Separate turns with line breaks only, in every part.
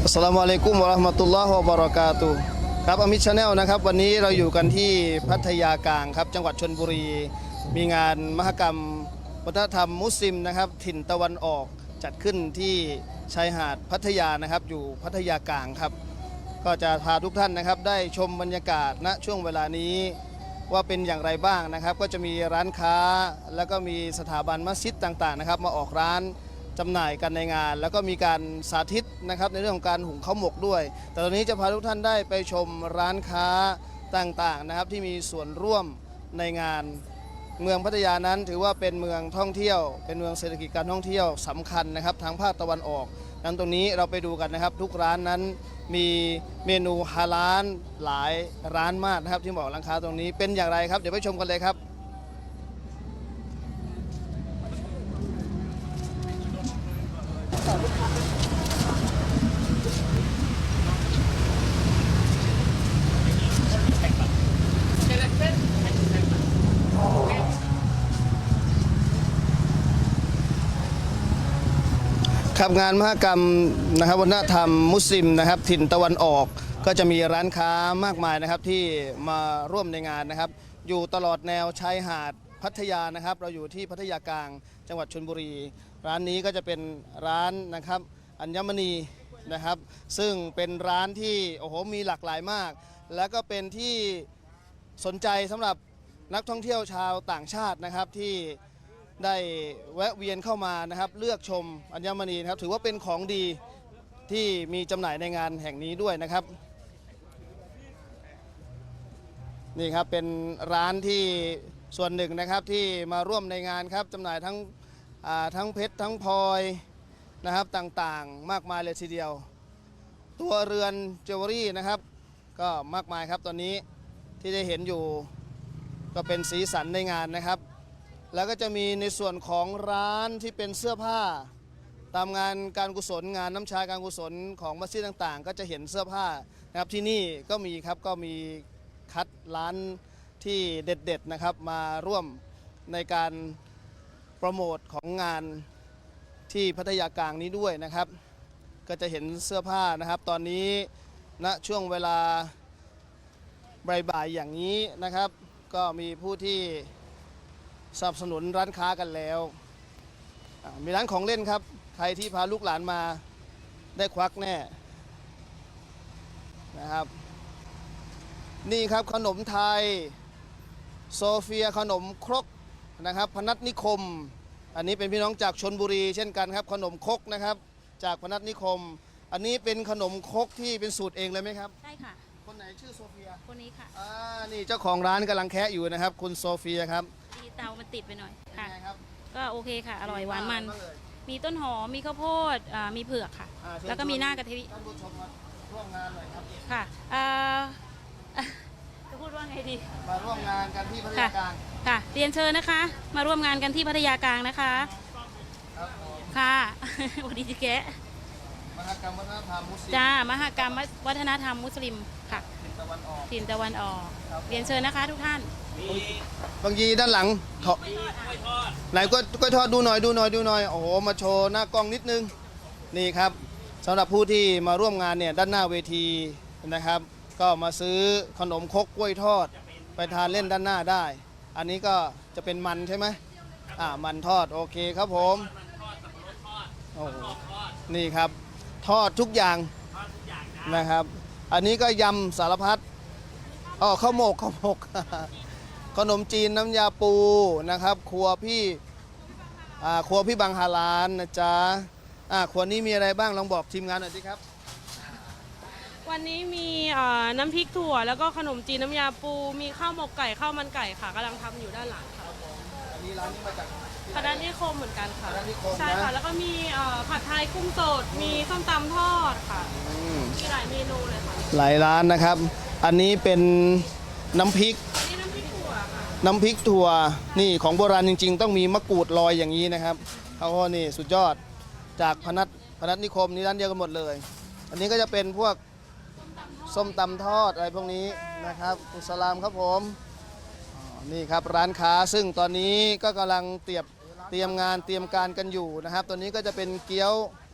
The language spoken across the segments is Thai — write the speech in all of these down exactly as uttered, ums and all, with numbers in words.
อัสสลามุอะลัยกุมวะเราะห์มะตุลลอฮ์วะบะเราะกาตุฮ์ครับอามิดชาแนลนะครับวันนี้เราอยู่กันที่พัทยากลางครับจังหวัดชลบุรี มีงานมหกรรมวัฒนธรรมมุสลิมนะครับถิ่นตะวันออกจัดขึ้นที่ชายหาดพัทยานะครับอยู่พัทยากลางครับก็จะพาทุกท่านนะครับได้ชมบรรยากาศณช่วงเวลานี้ว่าเป็นอย่างไรบ้างนะครับก็จะมีร้านค้าแล้วก็มีสถาบันมัสยิดต่างๆนะครับมาออกร้านจำหน่ายกันในงานแล้วก็มีการสาธิตนะครับในเรื่องของการหุงข้าวหมกด้วย แต่ตอนนี้จะพาทุกท่านได้ไปชมร้านค้าต่างๆนะครับที่มีส่วนร่วมในงานเมืองพัทยานั้นถือว่าเป็นเมืองท่องเที่ยวเป็นเมืองเศรษฐกิจการท่องเที่ยวสำคัญนะครับทางภาคตะวันออกนั้นตรงนี้เราไปดูกันนะครับทุกร้านนั้นมีเมนูฮาลาลหลายร้านมากนะครับที่บอกร้านค้าตรงนี้เป็นอย่างไรครับเดี๋ยวไปชมกันเลยครับครับงานมหกรรมนะครับวัฒนธรรมมุสลิมนะครับถิ่นตะวันออกก็จะมีร้านค้ามากมายนะครับที่มาร่วมในงานนะครับอยู่ตลอดแนวชายหาดพัทยานะครับเราอยู่ที่พัทยากลางจังหวัดชลบุรีร้านนี้ก็จะเป็นร้านนะครับอัญมณีนะครับซึ่งเป็นร้านที่โอ้โหมีหลากหลายมากแล้วก็เป็นที่สนใจสำหรับนักท่องเที่ยวชาวต่างชาตินะครับที่ได้แวะเวียนเข้ามานะครับเลือกชมอัญมณีนะครับถือว่าเป็นของดีที่มีจำหน่ายในงานแห่งนี้ด้วยนะครับนี่ครับเป็นร้านที่ส่วนหนึ่งนะครับที่มาร่วมในงานครับจำหน่ายทั้งทั้งเพชรทั้งพลอยนะครับต่างๆมากมายเลยทีเดียวตัวเรือนเจวเวลรี่นะครับก็มากมายครับตอนนี้ที่ได้เห็นอยู่ก็เป็นสีสันในงานนะครับแล้วก็จะมีในส่วนของร้านที่เป็นเสื้อผ้าตามงานการกุศลงานน้ำชาการกุศลของมัสยิดต่างๆก็จะเห็นเสื้อผ้านะครับที่นี่ก็มีครับก็มีคัดร้านที่เด็ดๆนะครับมาร่วมในการโปรโมทของงานที่พัทยากลางนี้ด้วยนะครับก็จะเห็นเสื้อผ้านะครับตอนนี้ณช่วงเวลาบ่ายๆอย่างนี้นะครับก็มีผู้ที่สนับสนุนร้านค้ากันแล้วมีร้านของเล่นครับใครที่พาลูกหลานมาได้ควักแน่นะครับนี่ครับขนมไทยโซเฟียขนมครกนะครับพนัสนิคมอันนี้เป็นพี่น้องจากชลบุรีเช่นกันครับขนมครกนะครับจากพนัสนิคมอันนี้เป็นขนมครกที่เป็นสูตรเองเลยไหมครับ
ใช่ค่ะ
คนไหนชื่อโซเฟีย
คนนี้ค่ะ
อ่านี่เจ้าของร้านกำลังแคะอยู่นะครับคุณโซเฟียครับ
ดีเตามันติดไปหน่อยค่ะ
ครับ
ก็โอเคค่ะอร่อยหวานมันมีต้นหอมมีข้าวโพดมีเผือกค่ะแล้วก็มีหน้ากะทิ
ท่านผู้ชมมาร่วมงานหน่อยครับ
ค่ะจะพูดว่าไงดี
มาร่วมงานกันที่พัทยากลาง
ค่ะเรียนเชิญนะคะมาร่วมงานกันที่พัทยากลางนะคะค่ะสวัสดีจิแกะ
มหกรรมวัฒนธรรมมุสลิม
จ้ามหกรรมวัฒนธรรมมุสลิมค่ะ
ถิ่นตะวันออก
ถิ่นตะวันออกเรียนเชิญนะคะทุกท่าน
บางทีด้านหลังไหนก็ก็ทอดดูหน่อยดูหน่อยดูหน่อยโอ้โหมาโชว์หน้ากล้องนิดนึงนี่ครับสำหรับผู้ที่มาร่วมงานเนี่ยด้านหน้าเวทีนะครับก็มาซื้อขนมครกกล้วยทอดไปทานเล่นด้านหน้าได้อันนี้ก็จะเป็นมันใช่ไหมอ่ามันทอดโอเคครับผมโอ้นี่ครับทอดทุกอย่างนะครับอันนี้ก็ยำสารพัดอ๋อข้าวหมกข้าวหมกขนมจีนน้ำยาปูนะครับครัวพี่อ่าครัวพี่บางฮาลานนะจ๊ะอ่าครัวนี้มีอะไรบ้างลองบอกทีมงานหน่อยสิครับ
วันนี้มีน้ำพริกถั่วแล้วก็ขนมจีนน้ำยาปูมีข้าวหมกไก่ข้าวมันไก่ค่ะกำลังทำอยู่ด้านหลังค่ะ
อันนี้ร้านนี้มาจาก
พนัสนิคมเหมือนกันค่ะ
ใช่
ค่ะแล้วก็มีผัดไทยกุ้งสดมีส้มตำทอดค่ะมีหลายเมนูเลยค่ะ
หลายร้านนะครับอันนี้เป็นน้ำพริก
นี่น้ำพริกถั่วค่ะ
น้ำพริกถั่วนี่ของโบราณจริงๆต้องมีมะกรูดลอยอย่างนี้นะครับเขาก็นี่สุดยอดจากพนัสพนัสนิคมนี่ร้านเดียวกันหมดเลยอันนี้ก็จะเป็นพวกส้มตำทอดอะไรพวกนี้นะครับอุสลามครับผมนี่ครับร้านค้าซึ่งตอนนี้ก็กำลังเตรียมเตรียมงานเตรียมการกันอยู่นะครับตัวนี้ก็จะเป็นเกี๊ยว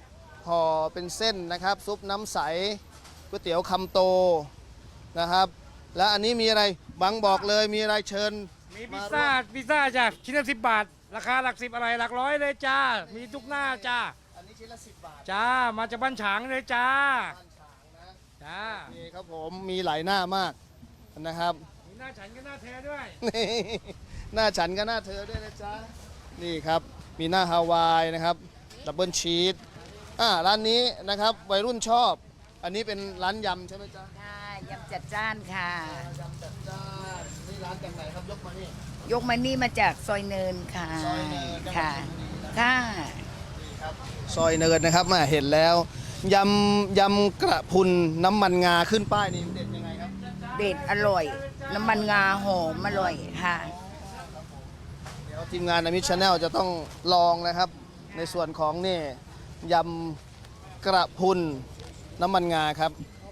ห่อเป็นเส้นนะครับ ซุปน้ำใสก๋วยเตี๋ยวคำโตนะครับ แล้วอันนี้มีอะไรบังบอกเลยมีอะไรเชิญ
มีพิซซ่าพิซซ่าจ้ะชิ้นละสิบบาท ราคาหลักสิบอะไรหลักร้อยเลยจ้า มีทุกหน้าจ้า
อันนี้ชิ้นละสิบบาท
จ้า มาจากบ้านฉางเลยจ้า
บ้านฉางนะ
จ้า
นี่ครับผมมีหลายหน้ามากนะครับ
มีหน้าฉันก็หน้าแท้ด้วย
นี่หน้าฉันก็หน้าเธอด้วยนะจ๊ะนี่ครับมีหน้าฮาวายนะครับดับเบิลชีสอ่าร้านนี้นะครับวัยรุ่นชอบ อันนี้เป็นร้านยำใช่ไหมจ๊ะ
ค่ะยำจัดจ้านค่ะ
ยำจัดจ้านนี่ร้านจากไหนครับยกมานี่
ยกมานี่มาจากซอยเนินค่ะ
ซอยเนินจังหวัด
ค่ะ
ชลบุรีนะ
ค่ะ
นี่ครับซอยเนินนะครับมาเห็นแล้วยำยำกระพุนน้ำมันงาขึ้นป้ายนี่เด็ดยังไงครับ
เด็ดอร่อย น้ำมันงาหอมอร่อยค่ะ
เดี๋ยวทีมงานอมิชแนลจะต้องลองนะครับ ในส่วนของนี่ยำกระพุนน้ำมันงาครับ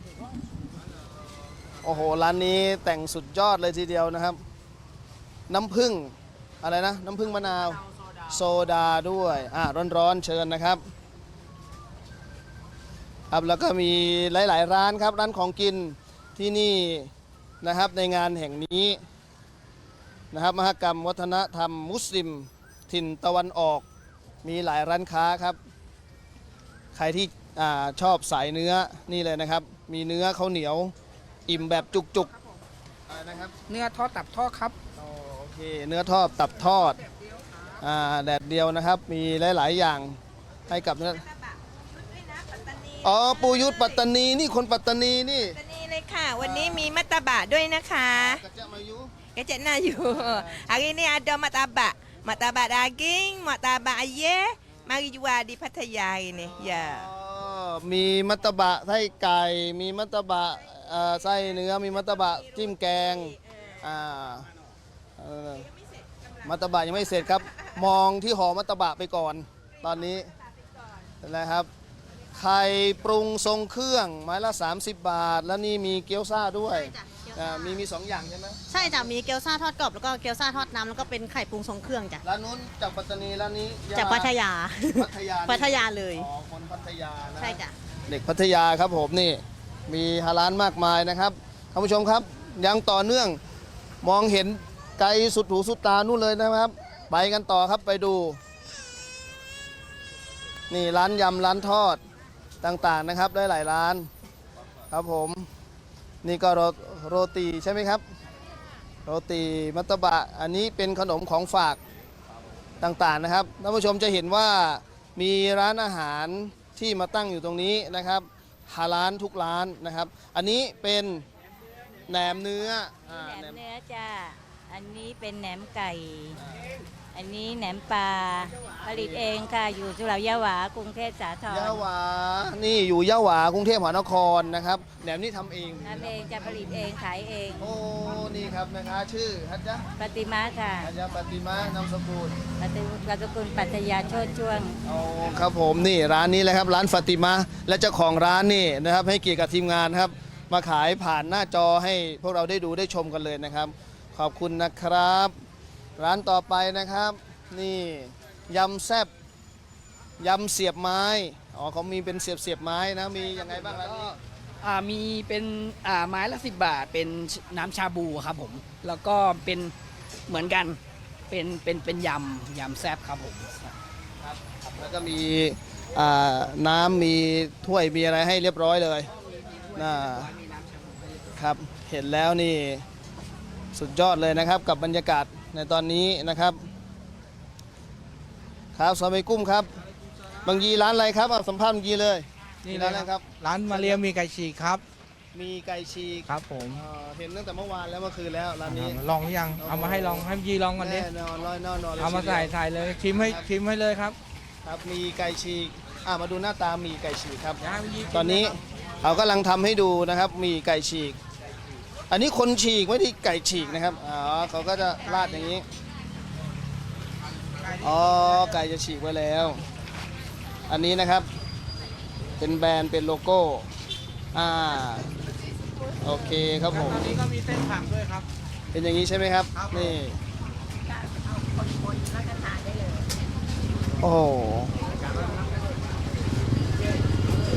โอ้โหร้านนี้แต่งสุดยอดเลยทีเดียวนะครับ น้ำผึ้งอะไรนะ น้ำผึ้งมะนาว โซดาด้วยอ่าร้อนๆเชิญนะครับครับแล้วก็มีหลายๆร้านครับ ร้านของกินที่นี่นะครับในงานแห่งนี้นะครับมหกรรมวัฒนธรรมมุสลิมถิ่นตะวันออกมีหลายร้านค้าครับ ใครที่อาชอบสายเนื้อนี่เลยนะครับ มีเนื้อข้าวเหนียวอิ่มแบบจุกๆอะไรนะครับ
เนื้อทอดตับทอดครับ
อ๋อโอเคเนื้อทอดตับทอดอ่าแดดเดียวนะครับ มีหลาย ๆ อย่างให้กับเนื้ออ๋อปูยุทธปัตตานีนี่คนปัตตานีนี่
นี่เลยค่ะ วันนี้มีมัตตบะด้วยนะคะ
กระเจามายุ
Kecek Nayu. Hari ni ada martabak. Martabak daging, martabak ayam. Mari jual di Pattaya hari ni.
อ๋
Ya.
อมีมัตตบะไส้ไก่ มีมัตตบะเอ่อไส้เนื้อ มีมัตตบะจิ้มแกงอ่าเอ่อมัตตบะยังไม่เสร็จครับ มองที่ห่อมัตตบะไปก่อน ตอนนี้นะครับ ไข่ปรุงทรงเครื่องไม้ละ สามสิบบาท แล้วนี่มีเกี๊ยวซ่าด้วยอ่ามีมีสองอย่างใช่ไหม
ใช่จ้ะมีเกี๊ยวซ่าทอดกรอบแล้วก็เกี๊ยวซ่าทอดน้ำแล้วก็เป็นไข่ปรุงทรงเครื่องจ้ะ
ร้านนู้นจากปัตตานีร้านนี้ยะล
จากพัทยา
พัทยา
พัทยาเลย
อ๋อคนพัทยานะ
ใช่จ้ะ
เด็กพัทยาครับผมนี่มีฮาร้านมากมายนะครับท่านผู้ชมครับยังต่อเนื่องมองเห็นไกลสุดหูสุดตานู่นเลยนะครับ ไปกันต่อครับไปดู นี่ร้านยำร้านทอดต่างๆนะครับได้หลายร้านครับผมนี่ก็โรโรตีใช่ไหมครับ โรตีมัตตบะอันนี้เป็นขนมของฝากต่างๆนะครับท่านผู้ชมจะเห็นว่ามีร้านอาหารที่มาตั้งอยู่ตรงนี้นะครับฮาลาลทุกร้านนะครับ อันนี้เป็นแหนมเนื้ออ่า
แหน
แหน
ม
ม
เนื้อจ้า อันนี้เป็นแหนมไก่ อันนี้แหนมปลา ผลิตเองค่ะ อยู่สุเหร่ายะหวากรุงเทพสาทร
ยะหวานี่อยู่ยะหวากรุงเทพมหานครนะครับแหนมนี่ทำเอง
ทำเองจะผลิตเองขายเอง
โอ้นี่ครับแม่ค้าชื่อฮัจยะ
ปฏิมาค่ะ
ฮัจยะปฏิมานามสกุล
ปฏิปฏิกุลปัตยาโชติช่วง
เอาครับผมนี่ร้านนี้เลยครับร้านฟาติมาและเจ้าของร้านนี่นะครับให้เกียรติกับทีมงานครับมาขายผ่านหน้าจอให้พวกเราได้ดูได้ชมกันเลยนะครับ ขอบคุณนะครับ ร้านต่อไปนะครับ นี่ยำแซบยำเสียบไม้อ๋อเขามีเป็นเสียบเสียบไม้นะมียังไงบ้างร้านนี้
อ่ามีเป็นอ่าไม้ละสิบบาท เป็นน้ำชาบูครับผม แล้วก็เป็นเหมือนกัน เป็นเป็นเป็นยำยำแซ่บครับผม
แล้วก็มีอ่าน้ำมีถ้วยมีอะไรให้เรียบร้อยเลยนะครับเห็นแล้วนี่สุดยอดเลยนะครับกับบรรยากาศในตอนนี้นะครับครับสวัสดีกุ้มครับบางยีร้านอะไรครับเอาสัมภาษณ์บางยีเลย
นี่
ร้านอะไรครับ
ร้านมาเรียมีไก่ฉีกครับ
มีไก่ฉีก
ครับผม
เอ่อเห็นตั้งแต่เมื่อวานแล้วเมื่อคืนแล้วร้านนี้
ลองหรือยัง เอามาให้ลองให้ยีลองก่อนดิ
แน่นอนร้อยแน่นอนลย
เอามาใส่ใส่เลยชิมให้ชิมให้เลยครับ
ครับมีไก่ฉีกอ่ามาดูหน้าตามีไก่ฉีกครับ
อยากให้ยี
ตอนนี้เขากำลังทำให้ดูนะครับ มีไก่ฉีก อันนี้คนฉีกไม่ได้ไก่ฉีกนะครับ อ๋อเขาก็จะราดอย่างนี้ อ๋อ ไก่จะฉีกไว้แล้ว อันนี้นะครับ เป็นแบรนด์เป็นโลโก้ อ่า โอเคครับผม
ตอนนี้ก็มีเส้นผักด้วยครับ
เป็นอย่างนี้ใช่ไหมครับ
ครับ
นี่ โอ้โห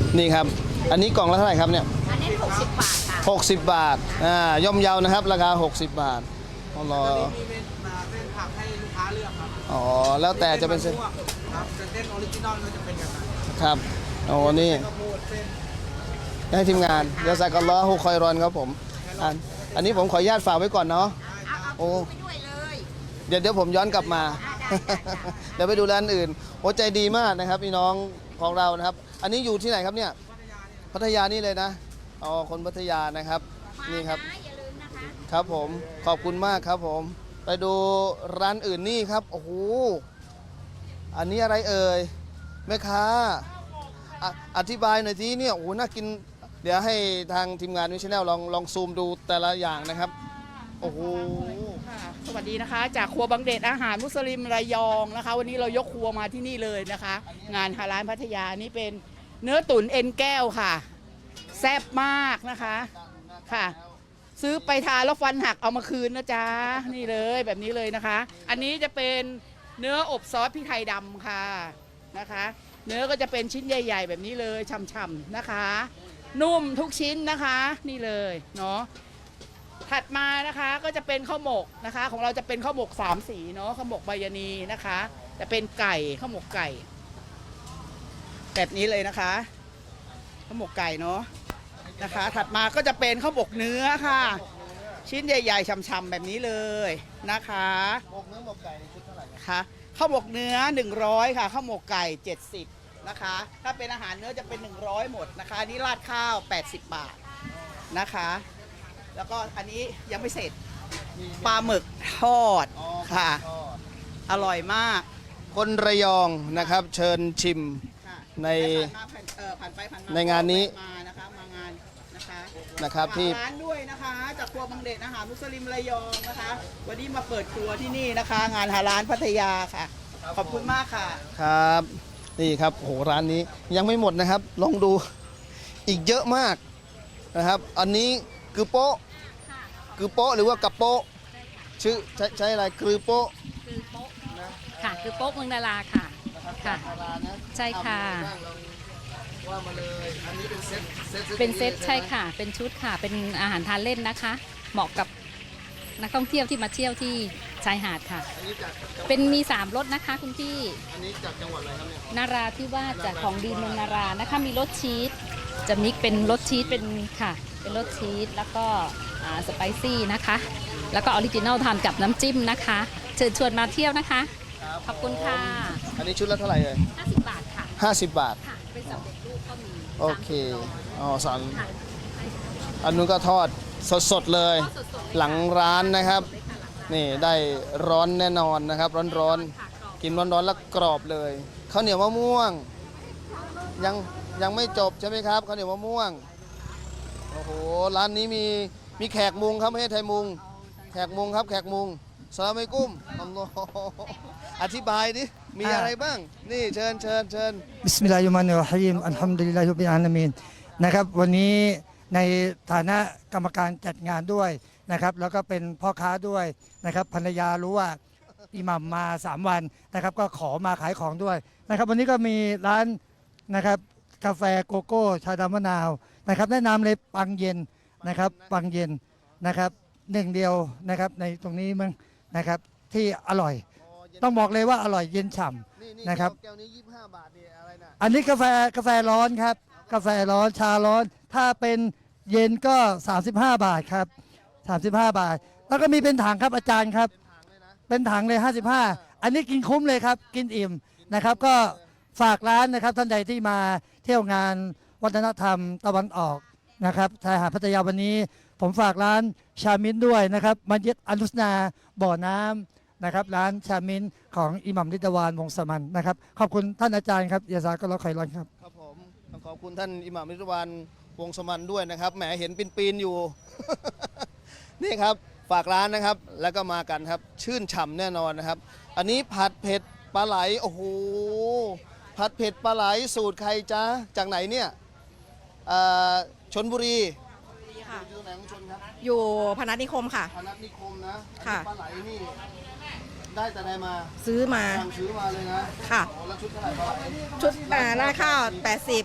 นี่ครับ อันนี้กล่องละเท่าไหร่ครับเนี่ย
อันนี้หกสิบบาทค่ะ
หกสิบบาทอ่าย่อมเยานะครับ ราคา หกสิบบาทอ๋อรอ
มีเป็นมาเส้นผักให้ลูกค้าเลือกครับ
อ๋อแล้วแต่จะเป็นเส้น
ครับแต่เส้นออริจินอลก็จะเป็นกันนะ
ครับโอ้นี่
ข้าวโพดเส้น
ให้ทีมงานเดี๋ยวใส่กันล้อฮูคอยรอนครับผมอันอันนี้ผมขออนุญาตฝากไว้ก่อนเนาะโอ้เดี๋ยวเดี๋ยวผมย้อนกลับมา เดี๋ยวไปดูร้านอื่นโอ้ใจดีมากนะครับพี่น้องของเรานะครับ อันนี้อยู่ที่ไหนครับเนี่ยพัทยานี่เลยนะอ๋อคนพัทยานะครับนี่ครับครับผมขอบคุณมากครับผมไปดูร้านอื่นนี่ครับโอ้โหอันนี้อะไรเอ่ยแม่ค้าอ่ะอธิบายหน่อยทีเนี่ยโอ้โหน่ากินเดี๋ยวให้ทางทีมงานวิชแนลลองลองซูมดูแต่ละอย่างนะครับโอ้โห
ค่ะสวัสดีนะคะจากครัวบางเดชอาหารมุสลิมระยองนะคะ วันนี้เรายกครัวมาที่นี่เลยนะคะ งานฮาลาลพัทยานี่เป็นเนื้อตุ๋นเอ็นแก้วค่ะ แซ่บมากนะคะค่ะ ซื้อไปทานแล้วฟันหักเอามาคืนนะจ๊ะนี่เลยแบบนี้เลยนะคะ อันนี้จะเป็นเนื้ออบซอสพริกไทยดำค่ะนะคะ เนื้อก็จะเป็นชิ้นใหญ่ ๆ แบบนี้เลยฉ่ำๆนะคะ นุ่มทุกชิ้นนะคะนี่เลยเนาะ ถัดมานะคะก็จะเป็นข้าวหมกนะคะ ของเราจะเป็นข้าวหมกสามสีเนาะข้าวหมกใบยานีนะคะจะเป็นไก่ข้าวหมกไก่ แบบนี้เลยนะคะข้าวหมกไก่เนาะนะคะ ถัดมาก็จะเป็นข้าวหมกเนื้อค่ะ ชิ้นใหญ่ๆฉ่ำๆแบบนี้เลยนะคะหมกเนื้อหมกไก่ในชุดเท่าไหร่คะข้าวหมกเนื้อหนึ่งร้อยค่ะข้าวหมกไก่เจ็ดสิบนะคะถ้าเป็นอาหารเนื้อจะเป็นหนึ่งร้อยหมดนะคะนี่ราดข้าวแปดสิบบาทนะคะแล้วก็อันนี้ยังไม่เสร็จปลาหมึกทอดค่ะอร่อยมาก
คนระยองนะครับเชิญชิม
ค่ะ
ใน
ผ่านมาผ่านเอ่อผ่านไปผ่านมา
ในงานนี้
มานะคะมางานนะคะ
นะครับที่
ฝากร้านด้วยนะคะจากครัวบางเดชอาหารมุสลิมระยองนะคะ วันนี้มาเปิดครัวที่นี่นะคะ งานฮาลาลพัทยาค่ะ ขอบคุณมากค่ะ
ครับนี่ครับโอ้โหร้านนี้ยังไม่หมดนะครับ ลองดูอีกเยอะมากนะครับ อันนี้คือโป๊ะคือโป๊ะหรือว่ากระโป๊ะชื่อใช้ใช้อะไรคือโป๊ะ
คือโป๊ะค่ะคือโป๊ะเมืองดาราค่ะค่ะ ใช่ค่ะ
ว่ามาเลยอันนี้เป็นเซตเซต
เป็นเซตใช่ค่ะ เป็นชุดค่ะ เป็นอาหารทานเล่นนะคะ เหมาะกับนักท่องเที่ยวที่มาเที่ยวที่ชายหาดค่ะ
อันนี้จาก
เป็นมีสามรสนะคะคุณพี่
อันนี้จากจังหวัดอะไรครับเนี่ย
นาราที่ว่าจากของดีเมืองนารานะคะมีรสชีสจะมิกเป็นรสชีสเป็นค่ะ เป็นรสชีสแล้วก็อ่าสไปซี่นะคะ แล้วก็ออริจินัลทานกับน้ำจิ้มนะคะ เชิญชวนมาเที่ยวนะคะ ขอบคุณค่ะ
อันนี้ชุดละเท่าไหร่เลย
ห้าสิบบาทค่ะ
ห้าสิบบาท
ค่ะ เป็นสำเร็จรูปก็มี
โอเคอ๋อสอนอันนู้นก็ทอดสดๆเลย หลังร้านนะครับ นี่ได้ร้อนแน่นอนนะครับ ร้อนๆ กินร้อนๆแล้วกรอบเลยข้าวเหนียวมะม่วง ยังยังไม่จบใช่ไหมครับข้าวเหนียวมะม่วง โอ้โห ร้านนี้มีมีแขกมุงครับไม่ใช่ไทยมุง แขกมุงครับแขกมุงสลามอะลัยกุมอัลลอฮ์อธิบายดิ มีอะไรบ้าง นี่เชิญเชิญเชิญ
บิสมิลลาฮิรเราะห์มานิรเราะฮีมอัลฮัมดุลิลลาฮิร็อบบิลอาลามีนนะครับวันนี้ในฐานะกรรมการจัดงานด้วยนะครับแล้วก็เป็นพ่อค้าด้วยนะครับภรรยารู้ว่าอิหมัมมาสามวันนะครับก็ขอมาขายของด้วยนะครับวันนี้ก็มีร้านนะครับกาแฟโกโก้ชาดำมะนาวนะครับแนะนำเลยปังเย็นนะครับปังเย็นนะครับหนึ่งเดียวนะครับในตรงนี้มั้งนะครับที่อร่อยต้องบอกเลยว่าอร่อยเย็นฉ่ำนะครับ
แก้วนี้ยี่สิบห้าบาทนี่อะไรนะ
อันนี้กาแฟกาแฟร้อนครับกาแฟร้อนชาร้อน ถ้าเป็นเย็นก็ สามสิบห้า บาทครับสามสิบห้า บาท แล้วก็มีเป็นถังครับอาจารย์ครับเป็นถังเลยห้าสิบห้าอันนี้กินคุ้มเลยครับกินอิ่มนะครับก็ฝากร้านนะครับท่านใดที่มาเที่ยวงานวัฒนธรรมตะวันออกนะครับชายหาดพัทยาวันนี้ ผมฝากร้านชามินด้วยนะครับมัสยิดอัลลุสนาบ่อน้ำนะครับร้านชามินของอิหมัมริดวานวงศ์สมันนะครับขอบคุณท่านอาจารย์ครับยาซาก็รอคอยรอนครับ
ครับผมต้องขอบคุณท่านอิหม่ามมิตรวันวงศ์สมันด้วยนะครับแหมเห็นปีนๆอยู่ นี่ครับฝากร้านนะครับแล้วก็มากันครับชื่นฉ่ำแน่นอนนะครับ อันนี้ผัดเผ็ดปลาไหลโอ้โหผัดเผ็ดปลาไหลสูตรใครจ๊ะจากไหนเนี่ยเอ่อชลบุรี
ค่ะ
อยู่ไหนของชนครับ
อยู่พนัสนิคมค่ะ
พนัสนิคมนะ
ค่ะ
ปลาไหลนี่ได้แต่ใดมา
ซื้อมา
สั่งซื้อมาเลยนะ
ค่ะ
โอ้แล้วชุดเท่าไหร่ปลาไหล
ชุดอ่าราดข้าวแปดสิบ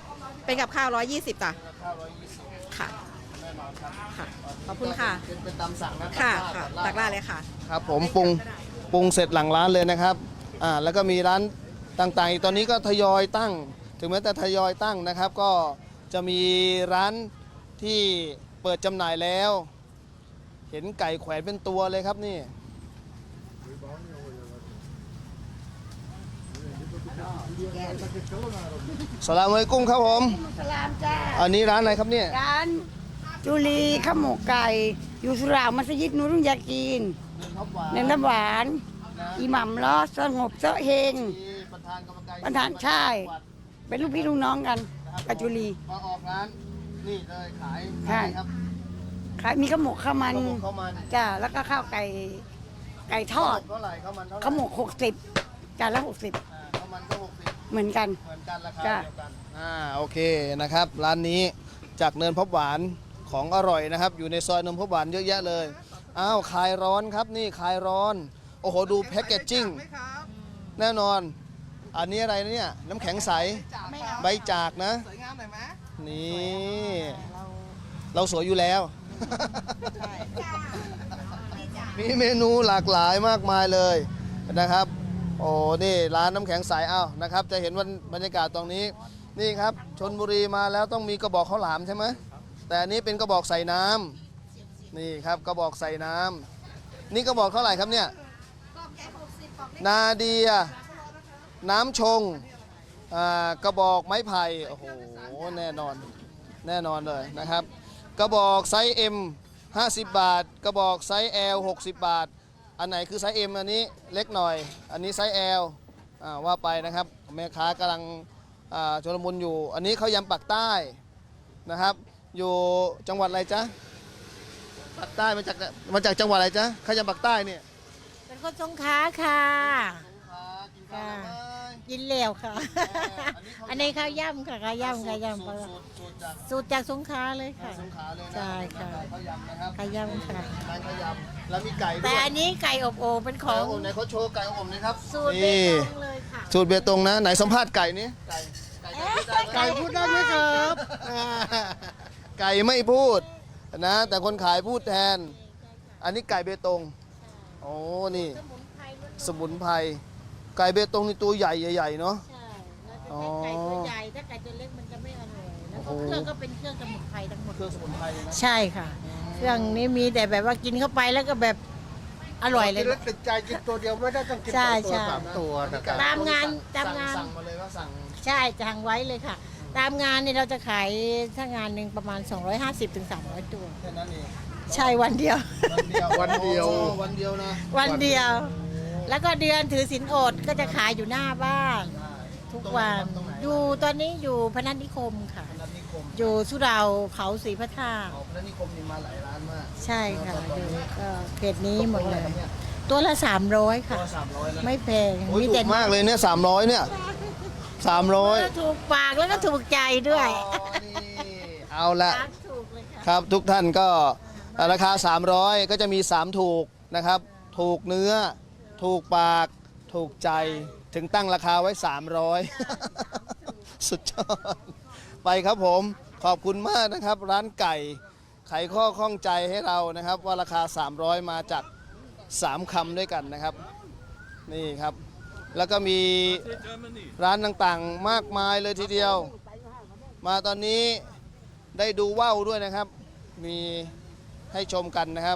เป็นกับข้าวร้อยยี่สิบจ้ะ
ข้าวร้อยยี่สิบ
ค่ะ
แน่นอนครับ
ค่ะ ขอบคุณค่ะ
เป็นเป็นตามสั่งนะ
ค่ะ
ตั
ค่ะ
ดราด
ตักได้เลยค่ะ
ครับผมปรุงปรุงเสร็จหลังร้านเลยนะครับอ่าแล้วก็มีร้านต่างๆอีกตอนนี้ก็ทยอยตั้ง ถึงแม้แต่ทยอยตั้งนะครับ ก็จะมีร้านที่เปิดจำหน่ายแล้ว เห็นไก่แขวนเป็นตัวเลยครับนี่สลามอะลัยกุมครับผม
สลามจ้า
อันนี้ร้านอะไรครับเนี่ย
ร้านจุลีข้าวหมกไก่ อยู่สุเหร่ามัสยิดนูรุนยากีนเน้นน้ำหวาน อิหมัมล้อสงบเสาะเฮง
ประธานกรรมการ
ประธานใช่ เป็นลูกพี่ลูกน้องกันกับจุลี
มาออกร้านนี่เลยขาย
ใช่
ขายครับ
ขายมีข้าวหมกข้าวมัน
ข้าวหมกข้าวมัน
จ้าแล้วก็ข้าวไก่ไก่ทอด
เท่าไหร่ข้าวมันเท่าไหร่
ข้าวหมกหกสิบจานละหกสิบ
อ่าข้าวมันก็หกสิบ
เหมือนกัน
เหมือนกันราคา
จ้ะ
เดียวกันอ่าโอเคนะครับ ร้านนี้จากเนินพบหวานของอร่อยนะครับ อยู่ในซอยเนินพบหวานเยอะแยะเลยอ้าวคลายร้อนครับนี่คลายร้อน โอ้โหดูแพ็กเกจจิ้งแน่นอน อันนี้อะไรนะเนี่ยน้ำแข็งใสใบจากนะ
สวยงามหน่อยไหม
นี่เราสวยอยู่แล้ว มีเมนูหลากหลายมากมายเลยนะครับ โอ้นี่ร้านน้ำแข็งใสเอ้านะครับ จะเห็นวันบรรยากาศตรงนี้นี่ครับชนบุรีมาแล้วต้องมีกระบอกข้าวหลามใช่ไหมแต่อันนี้เป็นกระบอกใส่น้ำนี่ครับกระบอกใส่น้ำนี่กระบอกเท่าไหร่ครับเนี่ยนาเดียน้ำชงอ่ากระบอกไม้ไผ่โอ้โหแน่นอนแน่นอนเลยนะครับ กระบอกไซส์ M ห้าสิบบาท กระบอกไซส์ L หกสิบบาท อันไหนคือไซส์ M อันนี้เล็กหน่อย อันนี้ไซส์ L อ่าว่าไปนะครับแม่ค้ากำลังอ่าชลมุนอยู่ อันนี้เขาวยำปักใต้นะครับ อยู่จังหวัดอะไรจ๊ะปักใต้มาจากมาจากจังหวัดอะไรจ๊ะข้าวยำปักใต้เนี่ย
เป็นคนสงขลาค่ะ
ค่ะ
กินเหลวค่ะ อันนี้ข้าวย่ำค่ะข้าวย่ำข้าวย่ำ
สูตรสูตรสูตรจาก
สูตรจากสงขลาเลยค่ะ
สงขลาเลยนะ
ใช่ค่ะ
ข้าวยำนะครับ
ข้าวย่ำค่ะ
ร้านข้าวยำแล้วมีไก่ด้วย
แต่อันนี้ไก่อบโอ่งเป็นข
ไก่
อง
อบโอ่งไหนเขาโชว์ไก่อบโอ่งหนะครับ
สูตรเบ
นี่
ตงเลยค่ะ
สูตรเบตงนะไหนสัมภาษณ์ไก่นี้ไก่ไก่พูดได้ไหมครับไก่ไม่พูดนะแต่คนขายพูดแทน อันนี้ไก่เบตงโอ้นี่สมุนไพรไก่เบตงนี่ตัวใหญ่ใหญ่ๆเนาะ
ใช่แล้วถ้าไก่ตัวใหญ่ถ้าไก่ตัวเล็กมันจะไม่อร่อยแล้วก็เครื่องก็เป็นเครื่องสมุนไพรทั้งหมด
เครื่องสมุนไพรเลยนะ
ใช่ค่ะ เครื่องนี้มีแต่แบบว่ากินเข้าไปแล้วก็แบบอร่อยเลย
กินแล้วติดใจกินตัวเดียวไม่ได้ต้องกิน
ใช่
สองตัว
ใช่
สามตัวนะครับ
ตามงานตามงาน
สั่งมาเลยว่าสั่ง
ใช่สั่งไว้เลยค่ะ ตามงานเนี่ยเราจะขายถ้างานหนึ่งประมาณ สองร้อยห้าสิบถึงสามร้อย ตัว
แค่นั้นเอง
ใช่วันเดียว
วันเดียว
วันเดียว
โอ้วันเดียวนะ
วันเดียว แล้วก็เดือนถือศีลอดก็จะขายอยู่หน้าบ้าน ทุกวัน
ตรงไหน
อยู่ตอนนี้อยู่พนัสนิคมค่ะ
พนัสนิคม
อยู่สุเหร่าเขาศรีพระธาตุ
อ๋อพนัสนิคมนี่มาหลายร้านมาก
ใช่ค่ะอยู่ก็เขตนี้หมดเลย
นี่
ตัวละสามร้อยค่ะ
ตัวสามร้อยนะ
ไม่แพง
โอ้ย
มี
ถู
แต่
กมากเลยเนี่ยสามร้อยเนี่ยสามร้อย
ถูกปากแล้วก็ถูกใจด้วย
เอาละ
ถูกเลยค่ะ
ครับทุกท่านก็ราคา สามร้อย ก็จะมี สาม ถูกนะครับ ถูกเนื้อ ถูกปาก ถูกใจถึงตั้งราคาไว้ สามร้อย สุดยอดไปครับผมขอบคุณมากนะครับ ร้านไก่ไขข้อข้องใจให้เรานะครับ ว่าราคา สามร้อย มาจากสามคำด้วยกันนะครับนี่ครับ แล้วก็มีร้านต่างๆมากมายเลยทีเดียว มาตอนนี้ได้ดูว่าวด้วยนะครับ มีให้ชมกันนะครับ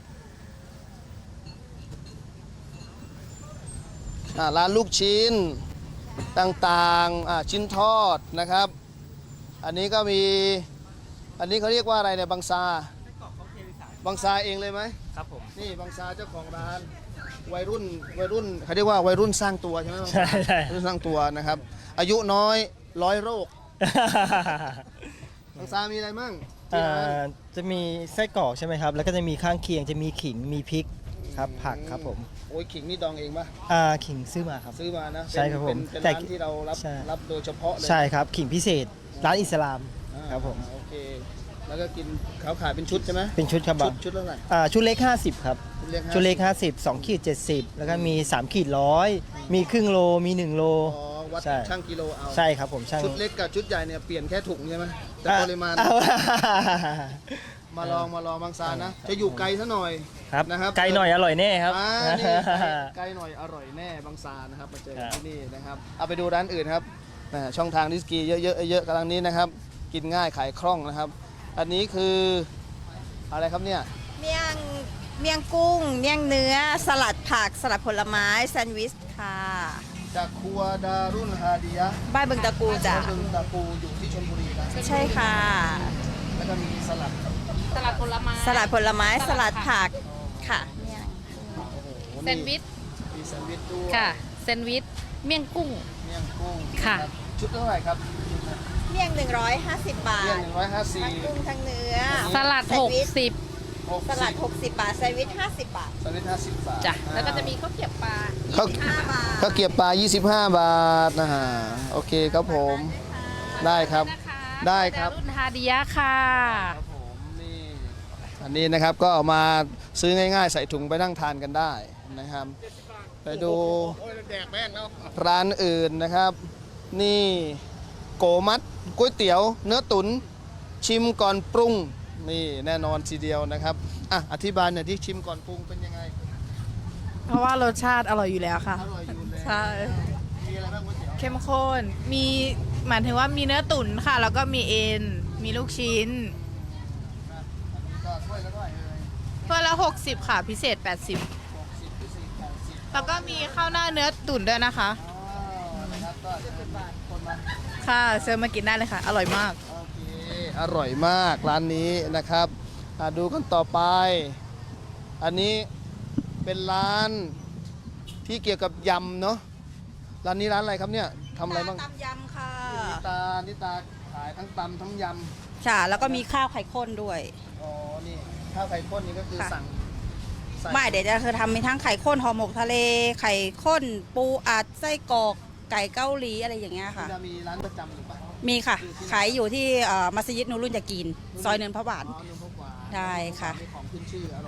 อ่าร้านลูกชิ้นต่างๆอ่าชิ้นทอดนะครับ อันนี้ก็มีอันนี้เขาเรียกว่าอะไรเนี่ยบางซาบางซาเองเลยไหมครับผมนี่บางซาเจ้าของร้านวัยรุ่นวัยรุ่นเขาเรียกว่าวัยรุ่นสร้างตัวใช่ไหม
ใช่ใช่
วัยรุ่นสร้างตัวนะครับ อายุน้อยร้อยโรค บางซามีอะไรมั่งที่
เอ่
ร้าน
อจะมีไส้กรอกใช่ไหมครับ แล้วก็จะมีข้างเคียงจะมีขิงมีพริกครับผักครับผม
โอ้ยขิงนี่ดองเองปะ
อ่าขิงซื้อมาครับ
ซื้อมานะ
ใช่ครับผม
เป็นเป็น
แต่
ร้านที่เรารับ
ใช่
รับโดยเฉพาะเลย
ใช่ครับขิงพิเศษร้านอิสลาม
อ่า
ครับผม
โอเค แล้วก็กินเขาขายเป็นชุดใช่ไหม
เป็นชุดครับ
ชุ
บา
ด
ง
ชุดเท่าไหร่
อ่าชุดเล็กห้าสิบครับ
ชุดเล็ก
ชุดเล็กห้าสิบ สองขีดเจ็ดสิบแล้วก็มีสามขีดร้อยมีครึ่งโลมีหนึ่งโล
อ๋อวัด
ใช่
ช่างกิโลเอา
ใช่ครับผมช่าง
ชุดเล็กกับชุดใหญ่เนี่ยเปลี่ยนแค่ถุงใช่ไหมแต่
อ่ะ
ปริมาณ
เอา
มาลองมาลองบางซานนะ จะอยู่ไกลซะหน่อย
ครับ
นะครับ
ไกลหน่อยอร่อยแน่ครับ
อ่านี่ไกลไกลหน่อยอร่อยแน่บางซานนะครับมาเจอกันที่นี่นะครับเอาไปดูร้านอื่นครับแหม่ช่องทางดิสกีเยอะๆเยอะๆกำลังนี้นะครับ กินง่ายขายคล่องนะครับ อันนี้คืออะไรครับเนี่ย
เมี่ยงเมี่ยงกุ้ง เมี่ยงเนื้อ สลัดผัก สลัดผลไม้ แซนด์วิชค่ะ
จากครัวดารุนฮาดียะ
บ้านบึงตะกูจ้ะ
บึงตะปูอยู่ที่ชลบุรีนะ
ใช่ค่ะ
แล้วก็มีสลัด
สลัดผลไม้
สลัดผลไม้ สลัดผักค่ะเมี่ยง
โอ้โห
แซนด์วิช
มีแซนด์วิชด้วย
ค่ะแซนด์วิชเมี่ยงกุ้ง
เมี่ยงกุ้ง
ค่ะ
รับชุดเท่าไหร่ครับ
เมี่ยงหนึ่งร้อยห้าสิบบา
เมี่ยง
ท
หนึ่งร้อยห้าสิบ
ทั้งกุ้งทั้งเนื้อ
สลัด
แซนด์วิช
หกสิบ
สลัดหกสิบบาท แซนด์วิชห้าสิบบาท
แซนด์วิชห้าสิบบาท
จ้ะแล้วก็จะมีข้าวเกรี๊ยวปลา
ข้าว
ห้าบาท
ข้าวเกรี๊ยวปลา ยี่สิบห้า บาทนะฮะโอเคครับผม ได้ครับ ได้ครับ
รุ่นฮาดิยะค่ะ
ครับผมนี่อันนี้นะครับก็เอามาซื้อง่ายๆ ใส่ถุงไปนั่งทานกันได้นะครับ ไปดูร้านอื่นนะครับ นี่โกมัดก๋วยเตี๋ยว เนื้อตุ๋นชิมก่อนปรุงนี่แน่นอนทีเดียวนะครับอ่ะอธิบายหน่อยที่ชิมก่อนปรุงเป็นยังไง
เพราะว่ารสชาติอร่อยอยู่แล้วค่ะ
อร่อยอยู่แล้ว
ใช่
มีอะไรบ้างก๋วยเตี๋ยว
เข้มข้น มีหมายถึงว่ามีเนื้อตุ๋นค่ะ แล้วก็มีเอ็น มีลูกชิ้น
ก็ถ้วยละเท่าไหร่เอ่ย
เพื่อละหกสิบค่ะ พิเศษแปดสิบ
หกสิบพิเศษแปดสิบ
แล้วก็มีข้าวหน้าเนื้อตุ๋นด้วยนะคะ
อ๋อนะครับก็คนมา
ค่ะเชิญมากินได้เลยค่ะ อร่อยมาก
โอเค อร่อยมากร้านนี้นะครับอ่ะดูกันต่อไป อันนี้เป็นร้านที่เกี่ยวกับยำเนาะ ร้านนี้ร้านอะไรครับเนี่ยทำอะไรบ้าง
ตำยำค่ะ
นิตา นิตาขายทั้งตำทั้งย
ค่ะ แล้วก็มีข้าวไข่ข้นด้วย
ำ อ๋อ นี่ข้าวไข่ข้นนี่ก็คือ
ค่ะ
สั่งใส่
ไม่เดี๋ยวจะคือทำมีทั้งไข่ข้นห่อหมกทะเล ไข่ข้น ปูอัดไส้กรอกไก่เกาหลีอะไรอย่างเงี้ยค่ะ
จะมีร้านประจำหรือเปล่า
มีค่ะ ขายอยู่ที่เอ่อมัสยิดนูรุ่นยากีน ซอยเนินพระบาท
อ๋อนุ่มพกหวาน
ได้ค่ะ
มีของขึ้นชื่ออร่อย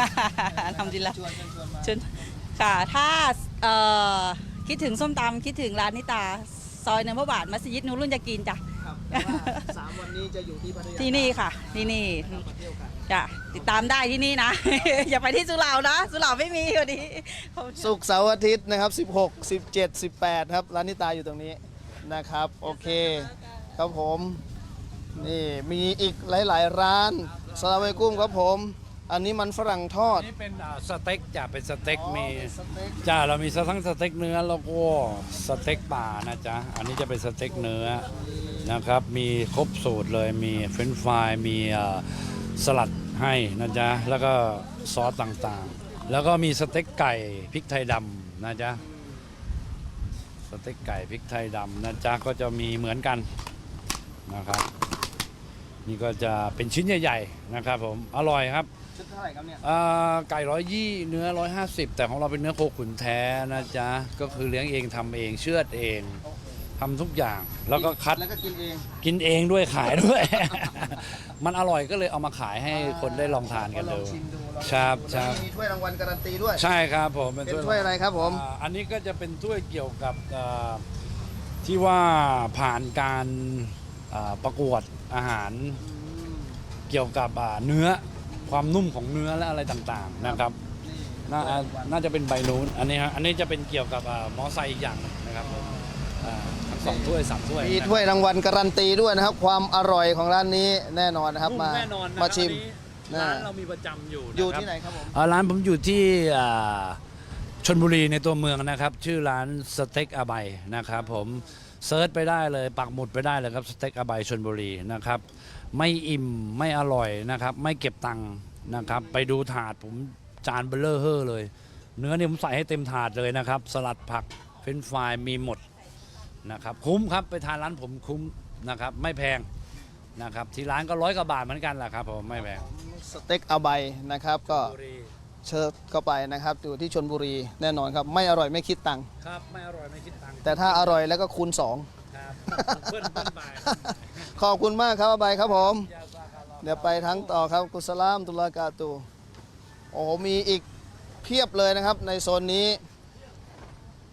ทำดีละ
ชวนเชิญชวนมา
ชวนค่ะ ถ้าเอ่อคิดถึงส้มตำคิดถึงร้านนิตา ซอยเนินพระบาท มัสยิดนูรุ่นยากีนจ้ะ
ครับแต่ว่าสามวันนี้จะอยู่ที่พัทยา
ที่นี่ค่ะ ที่นี่
มาเที่ยวกัน
จ้ะติดตามได้ที่นี่นะ อย่าไปที่สุเหร่านะ สุเหร่าไม่มีวันนี้
ศุกร์เสาร์อาทิตย์นะครับ สิบหก สิบเจ็ด สิบแปด ครับ ร้านนิตาอยู่ตรงนี้นะครับ โอเค ครับผม นี่มีอีกหลาย ๆ ร้านสลามอะลัยกุ้มครับผม อันนี้มันฝรั่งทอด
นี่เป็นอ่าสเต็กจ้ะเป็นสเต็ก
อ๋อ
มี
เป็นสเต็ก
จ้าเรามีทั้งสเต็กเนื้อแล้วก็สเต็กป่านะจ๊ะอันนี้จะเป็นสเต็กเนื้อนะครับมีครบสูตรเลยมีเฟรนช์ฟรายมีอ่าสลัดให้นะจ๊ะแล้วก็ซอสต่างๆ แล้วก็มีสเต็กไก่พริกไทยดำนะจ๊ะสเต็กไก่พริกไทยดำนะจ๊ะก็จะมีเหมือนกันนะครับนี่ก็จะเป็นชิ้นใหญ่ๆนะครับผมอร่อยครับ
ชุดเท่าไหร่ครับเนี่ย
อ่าไก่ร้อยยี่เนื้อร้อยห้าสิบแต่ของเราเป็นเนื้อโคขุนแท้นะจ๊ะก็คือเลี้ยงเองทำเองเชือดเองทำทุกอย่างแล้วก็คัด
แล้วก็กินเอง
กินเองด้วยขายด้วย มันอร่อยก็เลยเอามาขายให้คนได้ลองทานกันดู
ลองชิมดูลองชิมดู
ครับค
แล้
รั
ว
บ
มีถ้วยรางวัลการันตีด้วย
ใช่ครับผม
เป็นถ้วยอะไรครับผม
อ่าอันนี้ก็จะเป็นถ้วยเกี่ยวกับอ่าที่ว่าผ่านการอ่าประกวดอาหารเกี่ยวกับอ่าเนื้อความนุ่มของเนื้อและอะไรต่างๆนะครับน่าอ่าน่าจะเป็นใบนู้นอันนี้ฮะอันนี้จะเป็นเกี่ยวกับอ่ามอไซค์อีกอย่างหนึ่งนะครับผมอ่าทั้งสองถ้วยสามถ้วย
มี
นะครับ
ถ้วยรางวัลการันตีด้วยนะครับ ความอร่อยของร้านนี้แน่นอนนะครับ มา
แน่นอนนะ
มาชิม
อันนี้ร้านเรามีประจำอยู่นะ
อยู่
ครับ
ที่ไหนครับผม
อ่าร้านผมอยู่ที่อ่าชลบุรีในตัวเมืองนะครับ ชื่อร้านสเต็กอาใบนะครับผมเซิร์ชไปได้เลยปักหมุดไปได้เลยครับสเต็กอาใบชลบุรีนะครับไม่อิ่มไม่อร่อยนะครับไม่เก็บตังค์นะครับไปดูถาดผมจานเบลเลอร์เฮอร์เลย เนื้อเนี่ยผมใส่ให้เต็มถาดเลยนะครับสลัดผักเฟรนช์ฟรายมีหมดนะครับคุ้มครับไปทานร้านผมคุ้มนะครับไม่แพงนะครับที่ร้านก็ร้อยกว่าบาทเหมือนกันแหละครับผมไม่แพง
สเต็กอาใบนะครับก็
บุรี
เชิญเข้าไปนะครับอยู่ที่ชลบุรีแน่นอนครับไม่อร่อยไม่คิดตังค์
ครับไม่อร่อยไม่คิดตังค์
แต่ถ้าอร่อยแล้วก็คูณสอง
ครับเพื่อนเพื่อนไป
ขอบคุณมากครับอาใบครับผม เดี๋ยวไปทั้งต่อครับกุสลามตุลากาตูโอ้โหมีอีกเพียบเลยนะครับในโซนนี้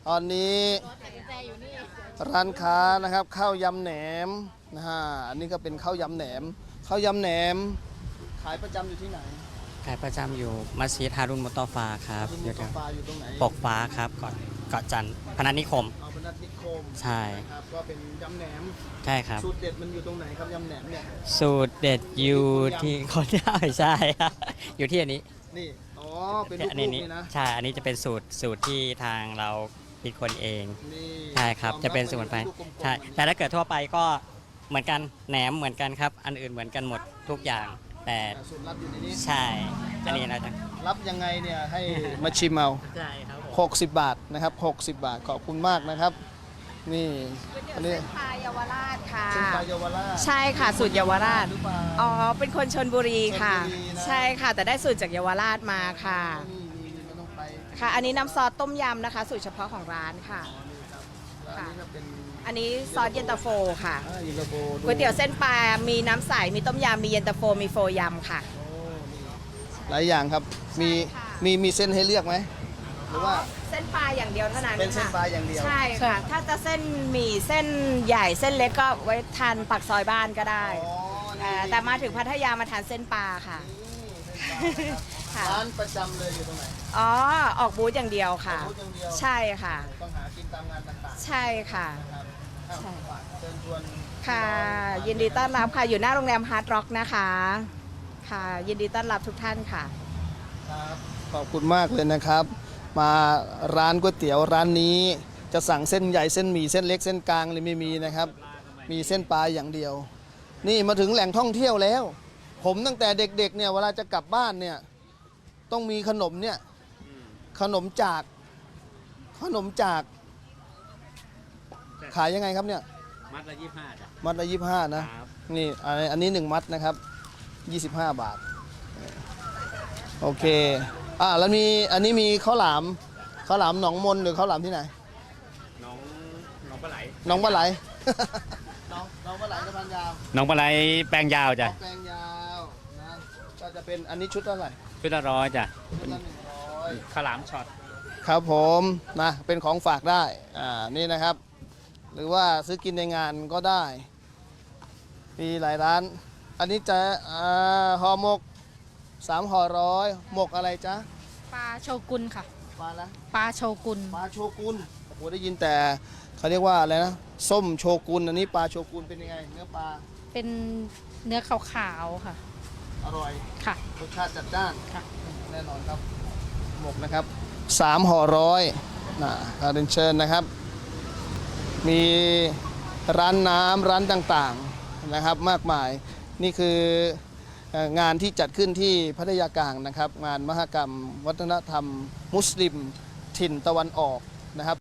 ตอนนี้ร้านค้านะครับข้าวยำแหนมนะฮะอันนี้ก็เป็นข้าวยำแหนมข้าวยำแหนมขายประจำอยู่ที่ไหน
ขายประจำอยู่มัสยิดฮารุนมุตตอฟาครับ
คุณ
อยู่
มุตฟ้าอยู่ตรงไหน
ปกฟ้าครับเกาะเกาะจันทร์พนัสนิคม
เอาเป็นนัดนิคม
ใช่
ครับก็เป็นยำแหนม
ใช่ครับ
สูตรเด็ดมันอยู่ตรงไหนครับยำแหนมเนี่ย
สูตรเด็ดอยู่ที่คนได้ใช่ครับ อยู่ที่อันนี้
นี่อ๋อเป็น
อัน
ลู
นี้
กๆ
นี่
นี่นะ
ใช่อันนี้จะเป็นสูตรสูตรที่ทางเราคิดคนเอง
นี่
ใช่ครับ
ยอม
จะเป็นส
ว่า
มุนไพร
ลูกกลมๆ
ใช่แต่ถ้าเกิดทั่วไปก็เหมือนกันแหนมเหมือนกันครับ อันอื่นเหมือนกันหมดทุกอย่าง แต่
แต่สูตรลับอยู่ในนี้
ใช่อันนี้เราจะ
รับยังไงเนี่ยให้มาชิมเอา
ใช่ครับผม
หกสิบบาทนะครับหกสิบบาทขอบคุณมากนะครับ นี่อันนี้
เส้นปลาเยาวราชค่ะ
เส้นปลาเยาวราช
ใช่ค่ะสูตรเยาวราช
หรือเปล่า
อ๋อเป็นคนชนบุรีค่ะ
ชลบุรีนะ
ใช่ค่ะ แต่ได้สูตรจากเยาวราชมาค่ะ
นี่นี่นี่ไม่ต้องไป
ค่ะ อันนี้น้ำซอสต้มยำนะคะ สูตรเฉพาะของร้านค่ะ
แล้วอันนี้ก็เป็น
อันนี้ซอสเย็นตาโฟค่ะ
อ่าเย็นตาโฟด้
ก๋วยเตี๋ยวเส้นปลา มีน้ำใส มีต้มยำ มีเย็นตาโฟ มีโฟยำค่ะ
โอ้นี่หลายอย่างครับมีมีมีเส้นให้เลือกไหมหรือว่า
เส้นปลาอย่างเดียวเท่านั้น
เป็นเส้น
ค่ะ
ปลาอย่างเดียว
ใช่ค่ะ ถ้าจะเส้นหมี่เส้นใหญ่เส้นเล็กก็ไว้ทานปักซอยบ้านก็ได้
อ๋อนี่
เอ่อแต่มาถึงพัทยามาทานเส้นปลาค่ะ ค่ะ
ร้านประจำเลยอยู่ตรงไหน
อ๋อ ออกบูธอย่างเดียวค่ะ
บูธอย่างเดียว
ใช่ค่ะ
ต้องหากินตามงานต่าง
ใช่ค่ะ
ๆนะครับอ้าว
ใช่
ฝากเชิญชวน
ค่ะ ยินดีต้อนรับค่ะ อยู่หน้าโรงแรมฮาร์ดร็อกนะคะ ค่ะ ยินดีต้อนรับทุกท่านค่ะ
ครับขอบคุณมากเลยนะครับ มาร้านก๋วยเตี๋ยวร้านนี้จะสั่งเส้นใหญ่เส้นหมี่เส้นเล็กเส้นกลางเลยไม่มีนะครับ มีเส้นปลาอย่างเดียว นี่มาถึงแหล่งท่องเที่ยวแล้ว ผมตั้งแต่เด็กๆเนี่ยเวลาจะกลับบ้านเนี่ยต้องมีขนมเนี่ยขนมจาก ขนมจาก ขายยังไงครับเนี่ย
มัดละยี่ห้าจ้ะ
มัดละยี่สิบห้านะ
ครับ
นี่อันอันนี้หนึ่งมัดนะครับยี่สิบห้าบาท โอเค อ่าแล้วมีอันนี้มีข้าวหลามข้าวหลามหนองมนหรือข้าวหลามที่ไหน
น้องน้องปลาไหล
หน้องปลาไหล น้องน้องปลาไหลสะพานยาว
น้องปลาไหลแปลงยาวจ้ะ
แปลงยาวนะก็จะเป็นอันนี้ชุดเท่าไหร่
ชุดละร้อยจ้ะ
ชุดละหนึ่งร้อย
ข้าวหลามช็อต
ครับผมนะเป็นของฝากได้อ่านี่นะครับ หรือว่าซื้อกินในงานก็ได้ มีหลายร้าน อันนี้จะอ่าห่อหมกสามห่อร้อยหมกอะไรจ๊ะ
ปลาโชกุนค่ะ
ปลาละ
ปลาโชกุน
ปลาโชกุนโอ้โหได้ยินแต่เขาเรียกว่าอะไรนะส้มโชกุนอันนี้ปลาโชกุนเป็นยังไงเนื้อปลา
เป็นเนื้อขาวๆค่ะ
อร่อย
ค่ะ
รสชาติจัดจ้าน
ค่ะ
แน่นอนครับหมกนะครับสามห่อร้อยนะการเรียนเชิญนะครับ มีร้านน้ำร้านต่างๆนะครับมากมายนี่คือเอ่องานที่จัดขึ้นที่พัทยากลางนะครับ งานมหกรรมวัฒนธรรมมุสลิมถิ่นตะวันออกนะครับ